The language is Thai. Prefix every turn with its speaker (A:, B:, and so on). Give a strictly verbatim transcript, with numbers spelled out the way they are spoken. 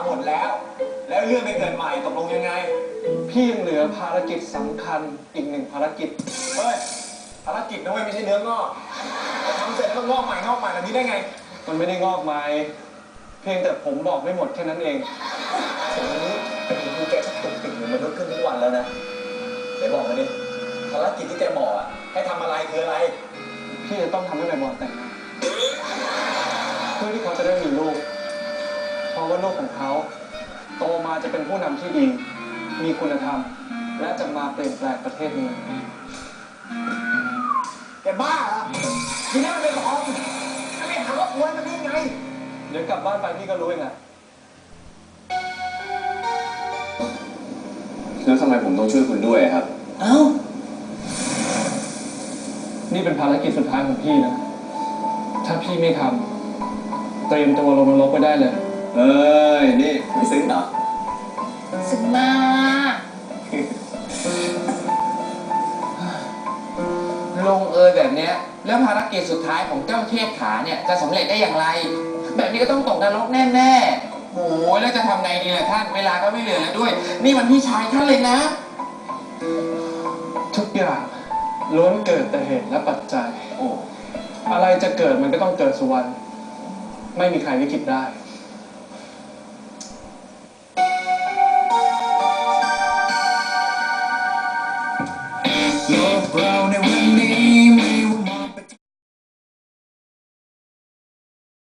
A: หมดแล้วแล้วเรื่องไปเกิดใหม่ตกลงยังไง
B: พี่ยังเหลือภารกิจสำคัญอีกหนึ่งภารกิจ
A: เฮ้ยภารกิจนะเว้ยไม่ใช่เนื้องอกทำเสร็จแล้วมันงอกใหม่งอกใหม่แบบนี้ได้ไง
B: มันไม่ได้งอกใหม่เพียงแต่ผมบอกไม่หมดแค่นั้นเอง
A: ผมเป็นครูแกชักตุกติ่งเหมือนมนุษย์ขึ้นทุกวันแล้วนะไหนบอกมาดิภารกิจที่แกบอกอ่ะให้ทำอะไรคืออะไร
B: พี่จะต้องทำให้ใบบอลแต่งงานเพื่อที่เขาจะได้มีลูกเพราะว่าลูกของเขาโตมาจะเป็นผู้นำที่ดีมีคุณธรรมและจะมาเปลี่ยนแปลงประเทศนี้
A: แกบ้าเหรอที่นั่นเป็นของถ้าไม่หาว่าป่วยมันได้ไง
B: เดี๋ยวกลับบ้านไปพี่ก็รู้เองอะ
C: แล้วทำไมผมต้องช่วยคุณด้วยครับ
A: เอ้า
B: นี่เป็นภารกิจสุดท้ายของพี่นะถ้าพี่ไม่ทำเตรียมตัวลงนรกไปได้เลย
C: เอ้ยนี่ไม่ซึ้งเหรอ
D: ซึ้งมากลงเอยแบบเนี้ยแล้วภารกิจสุดท้ายของเจ้าเทพขาเนี่ยจะสำเร็จได้อย่างไรแบบนี้ก็ต้องตกนรกแน่ๆโอ้ยแล้วจะทำไงดีล่ะท่านเวลาก็ไม่เหลือแล้วด้วยนี่มันพี่ชายท่านเลยนะ
B: ทุกอย่างล้วนเกิดแต่เหตุและปัจจัยโอ้อะไรจะเกิดมันก็ต้องเกิดสุวรรณไม่มีใครลิขิตได้